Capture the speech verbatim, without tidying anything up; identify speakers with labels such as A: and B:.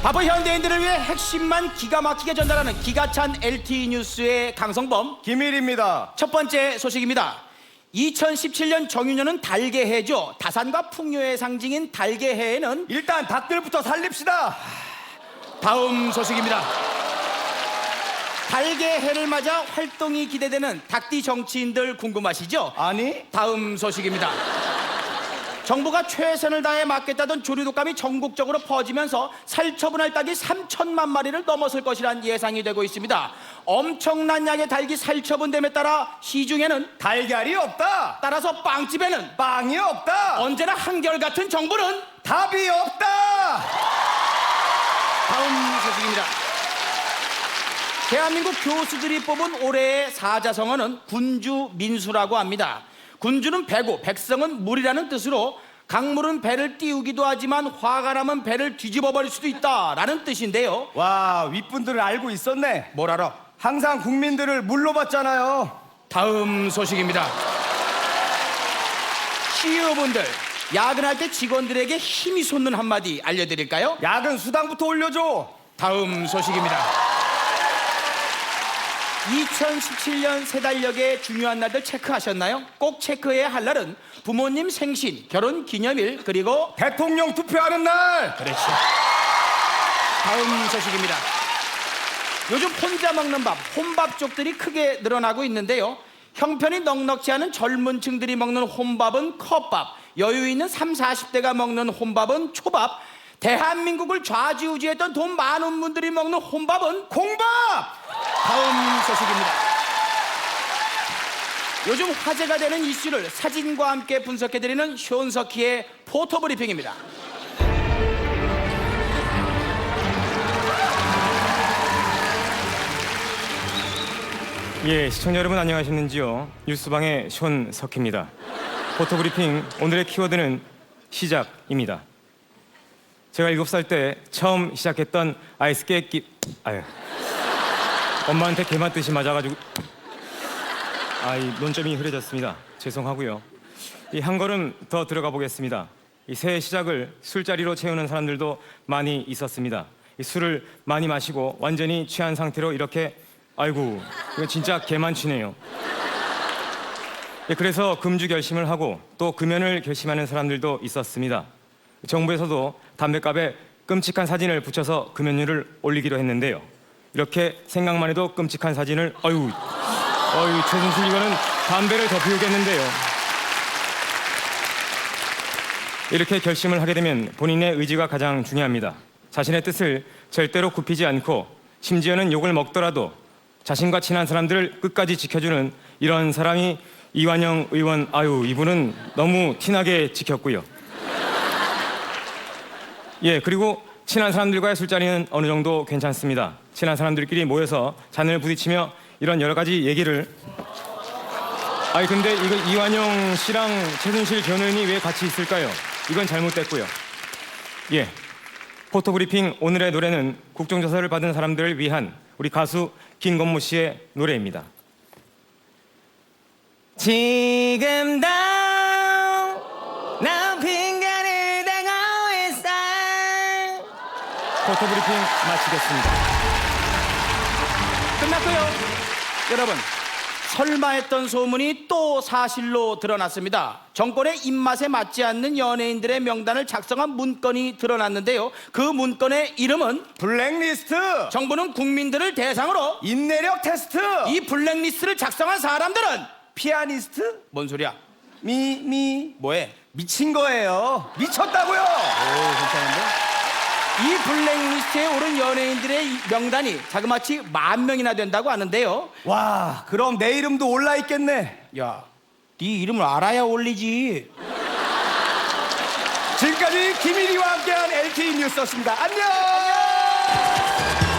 A: 바보 현대인들을 위해 핵심만 기가 막히게 전달하는 기가찬 엘티이 뉴스의 강성범
B: 김일입니다.
A: 첫 번째 소식입니다. 이천십칠 년 정유년은 달개해죠. 다산과 풍요의 상징인 달개해에는
B: 일단 닭들부터 살립시다.
A: 다음 소식입니다. 달개해를 맞아 활동이 기대되는 닭띠 정치인들 궁금하시죠?
B: 아니?
A: 다음 소식입니다. 정부가 최선을 다해 막겠다던 조류독감이 전국적으로 퍼지면서 살처분할 닭이 삼천만 마리를 넘어설 것이란 예상이 되고 있습니다. 엄청난 양의 닭이 살처분됨에 따라 시중에는
B: 달걀이 없다.
A: 따라서 빵집에는
B: 빵이 없다.
A: 언제나 한결같은 정부는
B: 답이 없다.
A: 다음 소식입니다. 대한민국 교수들이 뽑은 올해의 사자성어는 군주민수라고 합니다. 군주는 배고 백성은 물이라는 뜻으로 강물은 배를 띄우기도 하지만 화가 나면 배를 뒤집어 버릴 수도 있다라는 뜻인데요.
B: 와, 윗분들은 알고 있었네.
A: 뭘 알아?
B: 항상 국민들을 물로 받잖아요.
A: 다음 소식입니다. 씨이오분들, 야근할 때 직원들에게 힘이 솟는 한마디 알려드릴까요?
B: 야근 수당부터 올려줘.
A: 다음 소식입니다. 이천십칠 년 세 달력의 중요한 날들 체크하셨나요? 꼭 체크해야 할 날은 부모님 생신, 결혼 기념일, 그리고
B: 대통령 투표하는 날.
A: 그렇죠. 다음 소식입니다. 요즘 혼자 먹는 밥, 혼밥족들이 크게 늘어나고 있는데요. 형편이 넉넉지 않은 젊은 층들이 먹는 혼밥은 컵밥, 여유 있는 삼, 사십 대가 먹는 혼밥은 초밥, 대한민국을 좌지우지했던 돈 많은 분들이 먹는 혼밥은
B: 콩밥.
A: 다음 소식입니다. 요즘 화제가 되는 이슈를 사진과 함께 분석해드리는 쇼은석희의 포토브리핑입니다.
C: 예, 시청자 여러분 안녕하셨는지요? 뉴스방의 쇼은석희입니다. 포토브리핑 오늘의 키워드는 시작입니다. 제가 일곱 살 때 처음 시작했던 아이스 깨끼 아유 엄마한테 개만 뜻이 맞아가지고 아이 논점이 흐려졌습니다. 죄송하고요. 이 한 걸음 더 들어가 보겠습니다. 이 새해 시작을 술자리로 채우는 사람들도 많이 있었습니다. 이 술을 많이 마시고 완전히 취한 상태로 이렇게 아이고 이건 진짜 개만취네요. 예, 그래서 금주 결심을 하고 또 금연을 결심하는 사람들도 있었습니다. 정부에서도 담뱃갑에 끔찍한 사진을 붙여서 금연율을 올리기로 했는데요. 이렇게 생각만 해도 끔찍한 사진을 아유, 아유 최순실 이거는 담배를 더 피우겠는데요. 이렇게 결심을 하게 되면 본인의 의지가 가장 중요합니다. 자신의 뜻을 절대로 굽히지 않고 심지어는 욕을 먹더라도 자신과 친한 사람들을 끝까지 지켜주는 이런 사람이 이완영 의원. 아유 이분은 너무 티나게 지켰고요. 예, 그리고 친한 사람들과의 술자리는 어느 정도 괜찮습니다. 친한 사람들끼리 모여서 잔을 부딪히며 이런 여러 가지 얘기를 아니 근데 이거 이완영 씨랑 최순실 전 의원이 왜 같이 있을까요? 이건 잘못됐고요. 예, 포토브리핑 오늘의 노래는 국정조사를 받은 사람들을 위한 우리 가수 김건모 씨의 노래입니다. 지금도 나 핑계를 대고 있어. 포토브리핑 마치겠습니다.
A: 끝났고요. 여러분, 설마 했던 소문이 또 사실로 드러났습니다. 정권의 입맛에 맞지 않는 연예인들의 명단을 작성한 문건이 드러났는데요. 그 문건의 이름은
B: 블랙리스트.
A: 정부는 국민들을 대상으로
B: 인내력 테스트.
A: 이 블랙리스트를 작성한 사람들은
B: 피아니스트.
A: 뭔 소리야?
B: 미, 미.
A: 뭐해?
B: 미친 거예요. 미쳤다고요.
A: 오, 괜찮은데? 이 블랙리스트에 오른 연예인들의 이 명단이 자그마치 만 명이나 된다고 하는데요.
B: 와, 그럼 내 이름도 올라 있겠네.
A: 야, 네 이름을 알아야 올리지.
B: 지금까지 김일이와 함께한 엘티이 뉴스였습니다. 안녕.